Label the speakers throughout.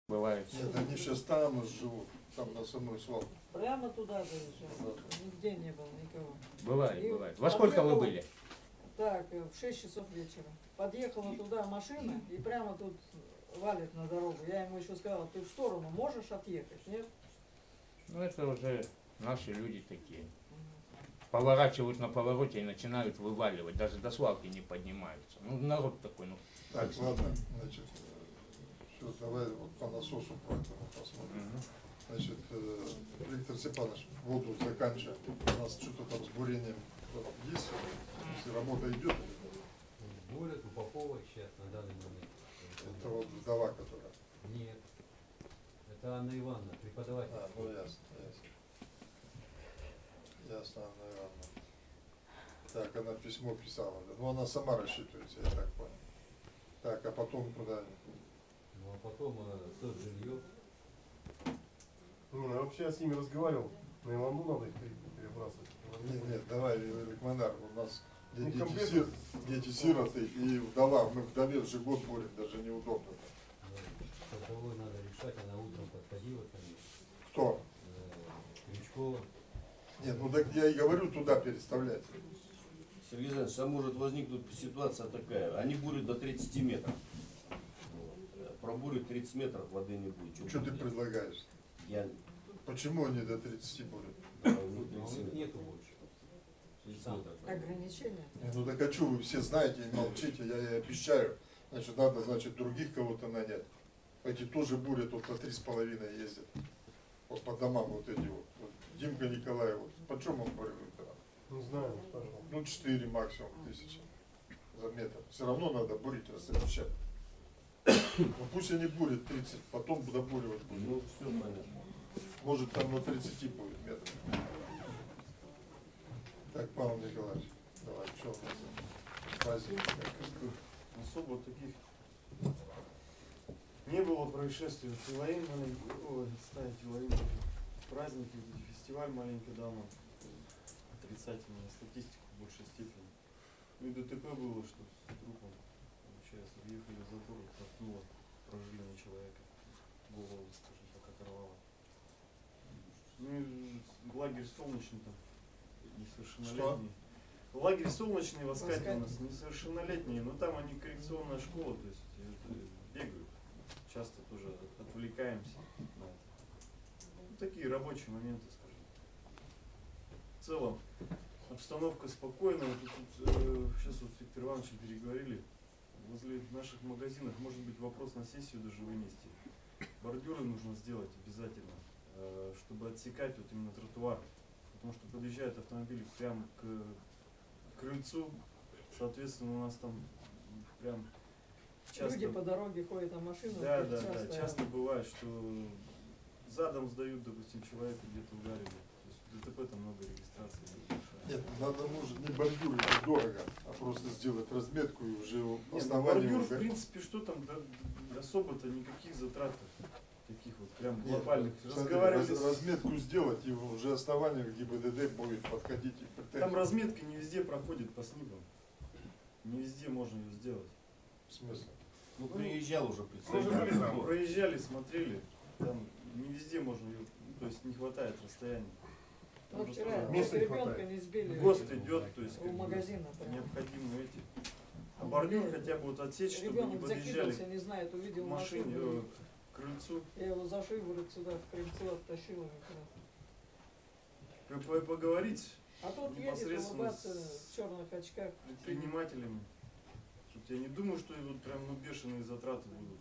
Speaker 1: Бывает.
Speaker 2: Нет, они сейчас там живут, там на самой свалке.
Speaker 3: Прямо туда заезжал. Нигде не было никого.
Speaker 1: Бывает,
Speaker 3: И
Speaker 1: бывает. Во сколько вы были?
Speaker 3: Так, в 6 часов вечера. Подъехала туда машина и прямо тут валит на дорогу. Я ему еще сказала, ты в сторону можешь отъехать? Нет?
Speaker 1: Ну это уже наши люди такие. Поворачивают на повороте и начинают вываливать. Даже до свалки не поднимаются. Ну народ такой, ну.
Speaker 2: Так, ладно, значит, все, давай вот по насосу по этому посмотрим. Значит, Виктор Степанович, воду заканчиваем. У нас что-то там с бурением есть, если работа идет.
Speaker 4: Бурят, упаковывать сейчас на данный момент.
Speaker 2: Это вот вдова, которая.
Speaker 4: Нет. Это Анна Ивановна, преподаватель.
Speaker 2: А, ну ясно, ясно. Ясно, Анна Ивановна. Так, она письмо писала. Ну, она сама рассчитывается, я так понял. Так, а потом куда?
Speaker 4: Ну, а потом соцжилье.
Speaker 5: Не, ну вообще я с ними разговаривал, но я вам надо их перебрасывать.
Speaker 2: Нет, давай, Ликманар, у нас
Speaker 5: Ну,
Speaker 2: дети сироты и вдова, мы вдове же год борем, даже неудобно.
Speaker 4: С тобой надо решать, она утром подходила ко мне.
Speaker 2: Кто?
Speaker 4: Крючкова.
Speaker 2: Нет, ну так я и говорю туда переставлять.
Speaker 6: Сергей Александрович, а может возникнуть ситуация такая, они бурят до 30 метров. Вот. Пробурят 30 метров, воды не будет.
Speaker 2: Что ты предлагаешь?
Speaker 6: Я...
Speaker 2: Почему они до 30 бурят?
Speaker 6: Да,
Speaker 4: Но у них нету больше.
Speaker 6: 30
Speaker 4: Сам.
Speaker 6: метров.
Speaker 3: Ограничения.
Speaker 2: Не, ну так а что вы все знаете и молчите, я и обещаю. Значит, надо, значит, других кого-то нанять. Эти тоже бурят, вот по 3,5 ездят. Вот по домам вот эти вот. Вот Димка Николаев, вот. Почем он бурит?
Speaker 5: Не знаю, спрашивал.
Speaker 2: Ну, 4 максимум тысячи за метр. Все равно надо бурить, размещать. Ну пусть они бурят 30, потом добуривать будут.
Speaker 6: Ну, все понятно.
Speaker 2: Может там на 30 будет метров. Так, Павел Николаевич, давай, что у нас? Праздник.
Speaker 5: Особо таких не было происшествий. Илаин маленький, ой, ставить Илаин, праздники, фестиваль маленький давно. Отрицательная статистика в большей степени. Ну и ДТП было, что с трупом, получается, въехали в затор, толкнуло проживание человека, голову, скажем так, оторвало. Ну и лагерь солнечный там, несовершеннолетний. Лагерь солнечный в Аскате у нас несовершеннолетние, но там они коррекционная школа, то есть бегают. Часто тоже отвлекаемся на это. Ну, такие рабочие моменты, скажем. В целом обстановка спокойная. Сейчас вот с Виктором Ивановичем переговорили. Возле наших магазинов может быть вопрос на сессию даже вынести. Бордюры нужно сделать обязательно, чтобы отсекать вот именно тротуар. Потому что подъезжают автомобили прямо к крыльцу. Соответственно, у нас там прям часто...
Speaker 3: Люди по дороге ходят, а машины...
Speaker 5: Да, часто бывает, что задом сдают, допустим, человека где-то ударили. То есть ДТП там много регистраций.
Speaker 2: Нет, надо, может, не бордюр, это дорого, а просто сделать разметку и уже
Speaker 5: Нет,
Speaker 2: основание...
Speaker 5: бордюр, в принципе, что там, да, особо-то никаких затрат таких вот прям
Speaker 2: Нет,
Speaker 5: глобальных.
Speaker 2: смотри,
Speaker 5: Разговаривали
Speaker 2: разметку сделать, и уже основание к ГИБДД будет подходить и претензии.
Speaker 5: Там разметка не везде проходит по снегам. Не везде можно ее сделать.
Speaker 2: В смысле?
Speaker 6: Ну, приезжал уже
Speaker 5: Мы же
Speaker 6: представитель.
Speaker 5: были там, проезжали, смотрели, там не везде можно ее, ну, то есть не хватает расстояния. Там
Speaker 3: Ну,
Speaker 5: же
Speaker 3: вчера
Speaker 5: тоже места не
Speaker 3: ребенка
Speaker 5: хватает.
Speaker 3: не сбили.
Speaker 5: ГОСТ идет, то есть
Speaker 3: У магазина.
Speaker 5: необходимы эти. А бордюр хотя бы вот отсечь, чтобы не
Speaker 3: Ребенок
Speaker 5: подъезжали
Speaker 3: закинулся, не знает, увидел
Speaker 5: к машине,
Speaker 3: машину.
Speaker 5: к крыльцу.
Speaker 3: Я его за шиворот сюда в крыльцо оттащила.
Speaker 5: Поговорить
Speaker 3: А тут едет
Speaker 5: непосредственно
Speaker 3: улыбаться
Speaker 5: с
Speaker 3: в черных очках.
Speaker 5: предпринимателями. Я не думаю, что вот прям бешеные затраты будут.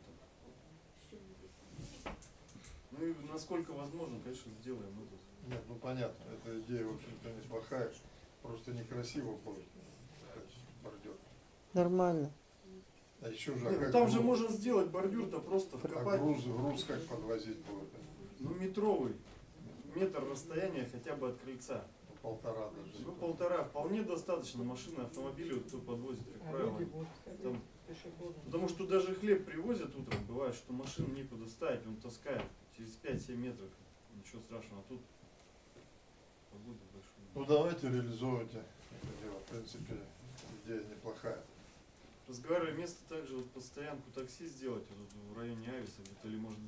Speaker 5: Ну и насколько возможно, конечно, сделаем это.
Speaker 2: Нет, ну понятно, эта идея, в общем-то, неплохая, просто некрасиво будет бордюр.
Speaker 7: Нормально.
Speaker 2: А еще же,
Speaker 5: Нет, ну там же можно сделать бордюр-то просто вкопать.
Speaker 2: груз как подвозить будет?
Speaker 5: Ну метровый, метр расстояния хотя бы от крыльца.
Speaker 2: Полтора даже.
Speaker 5: Ну 1,5 вполне достаточно машины, автомобили, вот кто подвозит, как
Speaker 3: А
Speaker 5: правило.
Speaker 3: люди будут ходить
Speaker 5: Там,
Speaker 3: пешеходом.
Speaker 5: потому что даже хлеб привозят утром, бывает, что машину некуда ставить, он таскает через 5-7 метров. Ничего страшного, а тут погода большая.
Speaker 2: Ну давайте реализовывайте это дело. В принципе, идея неплохая.
Speaker 5: Разговаривали место также вот под стоянку такси сделать вот в районе Ависа где-то, или может быть где-то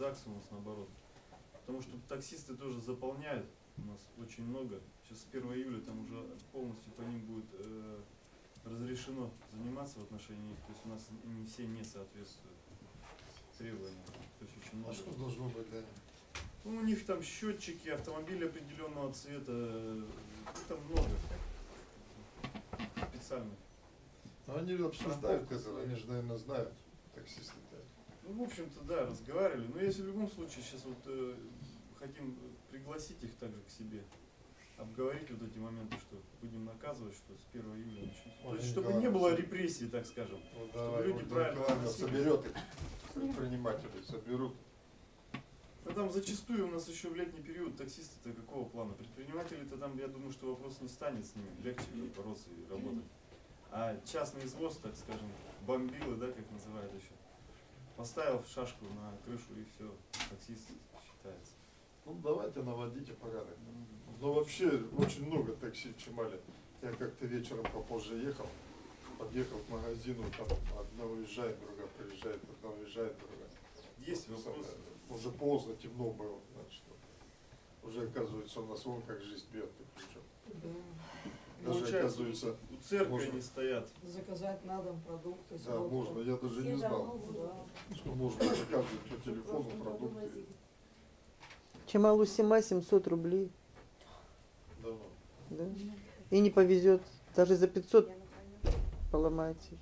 Speaker 5: ЗАГС у нас наоборот. Потому что таксисты тоже заполняют, у нас очень много. Сейчас с 1 июля там уже полностью по ним будет разрешено заниматься в отношении них. То есть у нас они все не соответствуют требованиям. То есть очень
Speaker 2: А
Speaker 5: много.
Speaker 2: что должно быть для них?
Speaker 5: Ну, у них там счетчики, автомобили определенного цвета, ну, там много специальных.
Speaker 2: Но они обсуждают это, они же, наверное, знают, таксисты-то.
Speaker 5: Ну, в общем-то, да, разговаривали. Но если в любом случае сейчас вот хотим пригласить их также к себе, обговорить вот эти моменты, что будем наказывать, что с 1 июля начнется. То есть, чтобы не было репрессий, так скажем.
Speaker 2: Вот
Speaker 5: Чтобы
Speaker 2: давай,
Speaker 5: люди
Speaker 2: вот
Speaker 5: правильно
Speaker 2: Николаевна
Speaker 5: относились.
Speaker 2: соберет их, предпринимателей соберут.
Speaker 5: Ну, там зачастую у нас еще в летний период таксисты-то какого плана? Предприниматели-то там, я думаю, что вопрос не станет с ними, легче бороться и работать. А частный извоз, так скажем, бомбилы, да, как называют еще, поставил шашку на крышу и все, таксист считается.
Speaker 2: Ну давайте наводите порядок. Но вообще очень много такси в Чемале. Я как-то вечером попозже ехал, подъехал к магазину, там одна уезжает, другая приезжает, одна уезжает, другая.
Speaker 5: Есть вопросы.
Speaker 2: Уже поздно, темно было, значит. Уже оказывается у нас вон как жизнь бьет, причем.
Speaker 3: Да.
Speaker 2: Даже
Speaker 5: Получается,
Speaker 2: оказывается,
Speaker 5: у церкви
Speaker 2: можно.
Speaker 5: они стоят.
Speaker 3: Заказать на дом продукты.
Speaker 2: да, можно, я даже не знал,
Speaker 3: Да.
Speaker 2: что можно заказывать по телефону продукты.
Speaker 7: Чемалу-Сима 700 рублей.
Speaker 2: Давно.
Speaker 7: Да? И не повезет. Даже за 500 поломаете.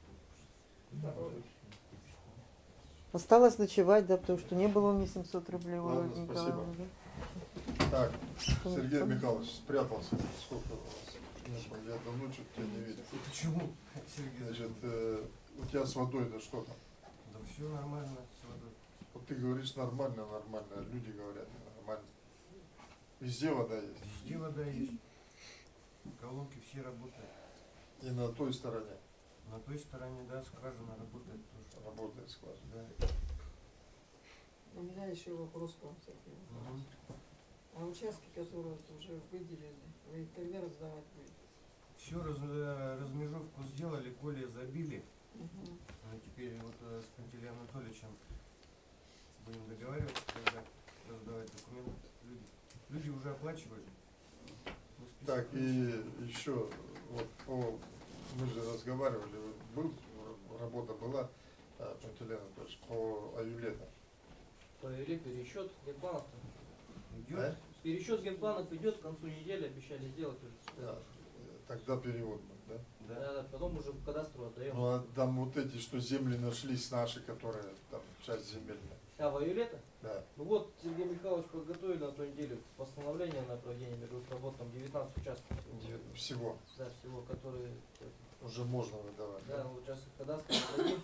Speaker 7: Осталось ночевать, да, потому что не было у меня 700 рублей. у
Speaker 2: Ладно,
Speaker 7: Ольги
Speaker 2: спасибо.
Speaker 7: Николаевны,
Speaker 2: Так, Сергей Михайлович спрятался. Сколько у вас? Нет, я давно что-то тебя не видел.
Speaker 4: Почему, Сергей?
Speaker 2: Значит, у тебя с водой-то что там?
Speaker 4: Да все нормально с водой.
Speaker 2: Вот ты говоришь нормально, нормально, а люди говорят нормально. Везде вода есть.
Speaker 4: Везде вода есть. Колонки все работают.
Speaker 2: И на той стороне
Speaker 4: На той стороне, да, скважина работает тоже.
Speaker 2: работает скважина.
Speaker 4: Да.
Speaker 3: У меня еще вопрос к вам, Сергей.
Speaker 4: Мгм.
Speaker 3: А участки, которые вот уже выделили, вы их когда раздавать будете?
Speaker 4: Все, размежевку сделали, поле забили.
Speaker 3: Мгм.
Speaker 4: Ну, теперь вот с Пантелеем Анатольевичем будем договариваться, когда раздавать документы. Люди уже оплачивали. Ну, список
Speaker 2: Так, и
Speaker 4: есть.
Speaker 2: еще, вот мы же разговаривали, работа была, Пантелей Анатольевич, по Аюлету.
Speaker 8: Провели пересчет генпланов.
Speaker 4: Идет.
Speaker 2: Да?
Speaker 8: Пересчет генпланов идет к концу недели, обещали сделать уже.
Speaker 2: Да. Тогда перевод будет, да?
Speaker 8: Да, потом уже в кадастру отдаем.
Speaker 2: Ну а там вот эти, что земли нашлись наши, которые там часть земельная.
Speaker 8: А в июле-то?
Speaker 2: Да.
Speaker 8: Ну вот, Сергей Михайлович подготовили на той неделе постановление на проведение мировых работ, там 19 участков.
Speaker 2: Всего.
Speaker 8: Да, всего, которые,
Speaker 2: Уже можно выдавать.
Speaker 8: да, вот сейчас их кадастр отдадим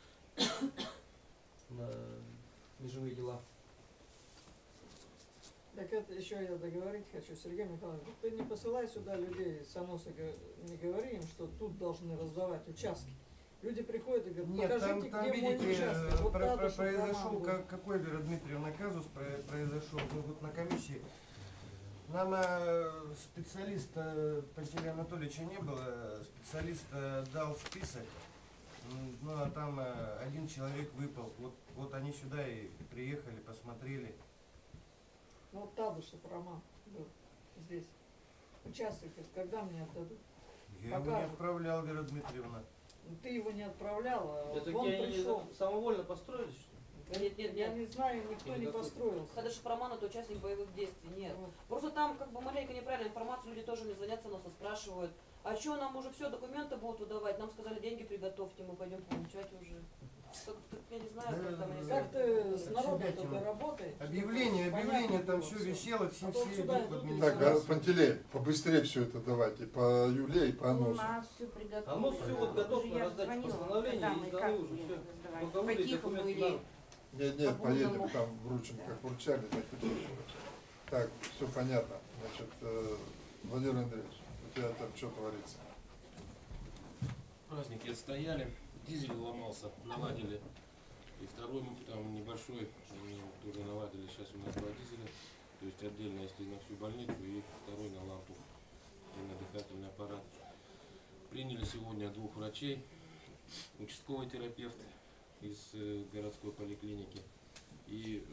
Speaker 8: на межевые дела.
Speaker 3: Так это еще я договорить хочу, Сергей Михайлович, ты не посылай сюда людей, Саноса, не говори им, что тут должны раздавать участки. Люди приходят и говорят,
Speaker 4: Нет,
Speaker 3: покажите,
Speaker 4: там
Speaker 3: где мой
Speaker 4: видите,
Speaker 3: участок. Вот надо, чтобы
Speaker 4: произошел,
Speaker 3: роман был.
Speaker 4: какой, Вера Дмитриевна, казус произошел. Мы вот на комиссии, нам специалиста Пантелея Анатольевича не было, специалист дал список, ну а там один человек выпал. Вот они сюда и приехали, посмотрели.
Speaker 3: Ну вот Тадышев Роман был здесь. Участок, когда мне отдадут?
Speaker 4: Я его не
Speaker 3: Покажут.
Speaker 4: отправлял, Вера Дмитриевна.
Speaker 3: Ну, ты его не отправлял, а
Speaker 8: Это
Speaker 3: вот он
Speaker 8: где они
Speaker 3: пришел.
Speaker 8: самовольно построились, что ли?
Speaker 9: Нет,
Speaker 3: Я не знаю, никто
Speaker 8: Или
Speaker 3: не
Speaker 8: какой?
Speaker 3: построился.
Speaker 9: Кадышев Роман это участник боевых действий, нет.
Speaker 3: Вот.
Speaker 9: Просто там как бы маленько неправильная информация, люди тоже мне звонят, нас спрашивают, а что нам уже все, документы будут выдавать, нам сказали, деньги приготовьте, мы пойдем получать уже. Как я не знаю, как там они
Speaker 3: Как ты с народом
Speaker 4: Себя
Speaker 3: только работаешь?
Speaker 4: Объявление,
Speaker 3: Понятно
Speaker 4: там
Speaker 3: было
Speaker 4: все
Speaker 3: всё.
Speaker 4: висело, все,
Speaker 3: А то
Speaker 4: все
Speaker 3: сюда
Speaker 4: идут в
Speaker 3: идут и
Speaker 2: Так,
Speaker 4: администрацию.
Speaker 2: Пантелей, побыстрее все это давайте, по Юле и по
Speaker 10: У
Speaker 2: Аносу.
Speaker 10: нас все приготовлено.
Speaker 8: А ну все вот готов на
Speaker 10: Я
Speaker 8: раздачу
Speaker 10: звонила,
Speaker 8: постановления
Speaker 10: когда
Speaker 8: и
Speaker 10: мы
Speaker 8: сданы
Speaker 10: как
Speaker 8: уже все.
Speaker 10: раздавали.
Speaker 8: Только выдать
Speaker 10: По-тихому
Speaker 8: документы
Speaker 10: или
Speaker 8: надо.
Speaker 2: Нет,
Speaker 10: По
Speaker 2: поедем
Speaker 10: полному.
Speaker 2: там вручим, как вручали, так и вручим. Так, все понятно. Значит, Владимир Андреевич, у тебя там что творится?
Speaker 11: Праздники отстояли, дизель ломался, наладили. И второй там небольшой тоже наладили. Сейчас у нас 2 дизеля. То есть отдельно, если на всю больницу, и второй на лампу, и на дыхательный аппарат. Приняли сегодня 2 врачей, участковый терапевт из городской поликлиники и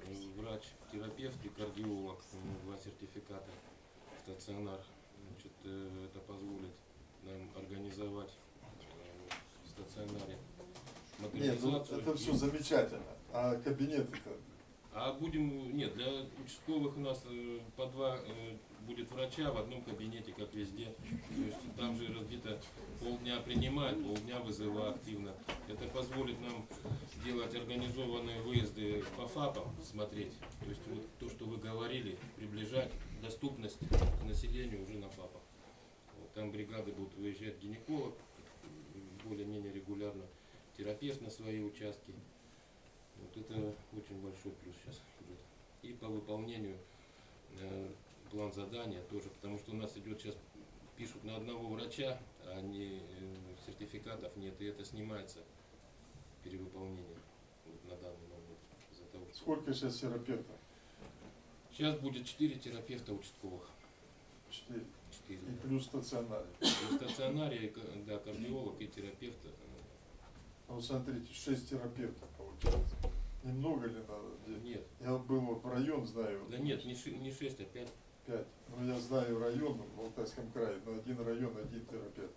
Speaker 11: терапевт и кардиолог, 2 сертификата, стационар. Значит, это позволит нам организовать в стационаре
Speaker 2: Нет, ну,
Speaker 11: модернизацию.
Speaker 2: это все замечательно. А кабинеты-то?
Speaker 11: А будем, нет, для участковых у нас по 2 будет врача в одном кабинете, как везде. То есть там же разбито, полдня принимают, полдня вызывают активно. Это позволит нам делать организованные выезды по ФАПам, смотреть. То есть вот то, что вы говорили, приближать доступность к населению уже на ФАПах. Вот, там бригады будут выезжать, гинеколог более-менее регулярно, терапевт на свои участки. Вот это очень большой плюс сейчас идет. И по выполнению план задания тоже, потому что у нас идет сейчас, пишут на одного врача, а не сертификатов нет, и это снимается перевыполнение вот на данный момент. Из-за того, что
Speaker 2: Сколько сейчас терапевтов?
Speaker 11: сейчас будет 4 терапевта участковых.
Speaker 2: 4.
Speaker 11: 4.
Speaker 2: И плюс стационаре.
Speaker 11: И в стационаре, да, кардиолог и терапевт.
Speaker 2: Ну, смотрите, 6 терапевтов получается. Немного ли надо?
Speaker 11: Нет.
Speaker 2: Я был вот в район, знаю.
Speaker 11: Да нет, не 6, а 5.
Speaker 2: 5. Ну, я знаю район в Алтайском крае, но один район, один терапевт.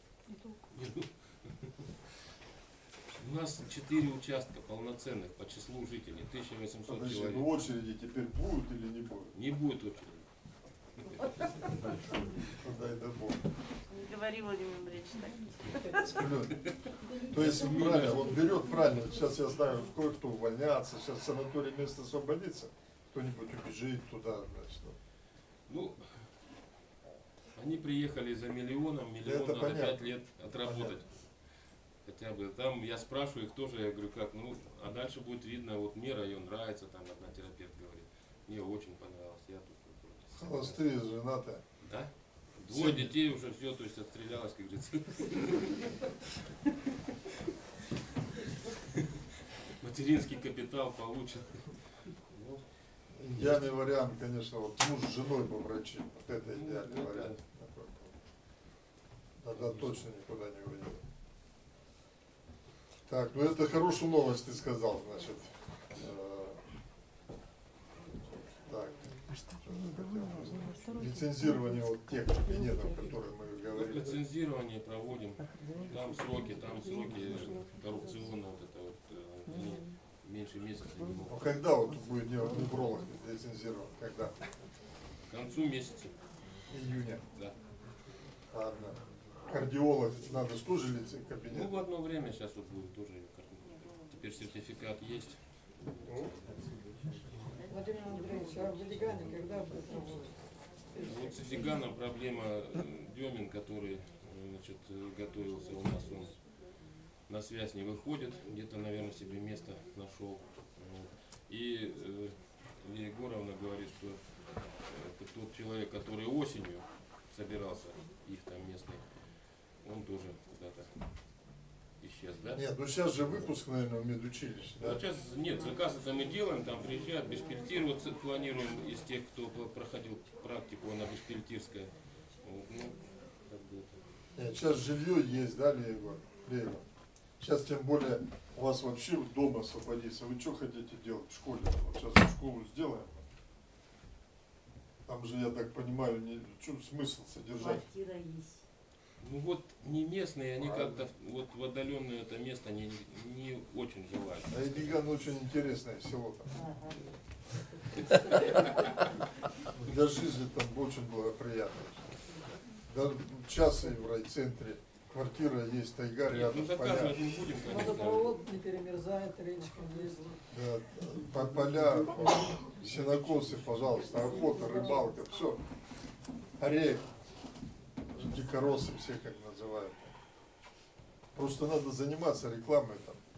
Speaker 11: У нас 4 участка полноценных по числу жителей, 1800
Speaker 2: Подожди,
Speaker 11: человек.
Speaker 2: ну очереди теперь будут или не будут?
Speaker 11: Не будет очереди.
Speaker 2: Дай да Бог.
Speaker 7: Не говори, Владимир Андреевич, так.
Speaker 2: То есть правильно, он берет правильно. Сейчас я знаю, кое-кто увольняться, сейчас в санатории место освободится, кто-нибудь убежит туда, значит.
Speaker 11: Ну, они приехали за миллион
Speaker 2: Это
Speaker 11: надо
Speaker 2: понятно.
Speaker 11: 5 лет отработать. Хотя бы там я спрашиваю их тоже, я говорю, как, ну, а дальше будет видно, вот мне район нравится, там одна терапевт говорит, мне очень понравилось, я тут против.
Speaker 2: Холостые, женатые.
Speaker 11: Да? 2 детей уже все, то есть отстрелялась, как говорится. Материнский капитал получен. Ну,
Speaker 2: Идеальный вариант, конечно, вот муж с женой по врачи. Вот это идеальный
Speaker 11: ну,
Speaker 2: вариант. Тогда точно никуда не уйдет. Так, ну это хорошую новость ты сказал, значит. Так. Лицензирование вот тех кабинетов, о которых мы
Speaker 11: вот
Speaker 2: говорили.
Speaker 11: лицензирование проводим, там сроки коррупционные, вот это вот, они меньше месяца не
Speaker 2: Ну
Speaker 11: могут.
Speaker 2: когда вот будет невролог лицензирован? Когда?
Speaker 11: К концу месяца,
Speaker 2: Июня.
Speaker 11: да.
Speaker 2: Ладно. Кардиолог, надо же тоже кабинет.
Speaker 11: Ну, в одно время сейчас вот будет тоже, теперь сертификат есть.
Speaker 2: Ну,
Speaker 3: Владимир Андреевич, а в Легане когда будет работать?
Speaker 11: Вот с Эдиганом проблема. Демин, который значит, готовился у нас, он на связь не выходит, где-то, наверное, себе место нашел. Вот. И Лия Егоровна говорит, что это тот человек, который осенью собирался, их там местный, он тоже куда-то исчез, да?
Speaker 2: нет, ну сейчас же выпуск, наверное, в медучилище, да?
Speaker 11: Вот сейчас нет, заказ это мы делаем, там приезжают, бешпильтироваться планируем из тех, кто проходил практику, она бешпильтирская. Вот, ну, как бы это.
Speaker 2: Нет, сейчас жилье есть, да, Леева? Сейчас тем более у вас вообще дома освободится. Вы что хотите делать в школе? Вот сейчас школу сделаем. Там же, я так понимаю, что смысл содержать?
Speaker 10: Квартира есть.
Speaker 11: Ну вот не местные, они
Speaker 2: Правильно.
Speaker 11: как-то вот в отдаленное это место не очень желают.
Speaker 2: А Эдиган очень интересное село там.
Speaker 10: Ага.
Speaker 2: Для жизни там очень благоприятно. Даже часы в райцентре, квартира есть, тайга
Speaker 11: Нет,
Speaker 2: рядом,
Speaker 11: ну
Speaker 2: поля.
Speaker 11: заказывать не будем, конечно.
Speaker 3: Водопровод не перемерзает, речка есть.
Speaker 2: Да, поля, сенокосы, пожалуйста, охота, рыбалка, все. Орех, дикоросы все как называют. Просто надо заниматься рекламой там.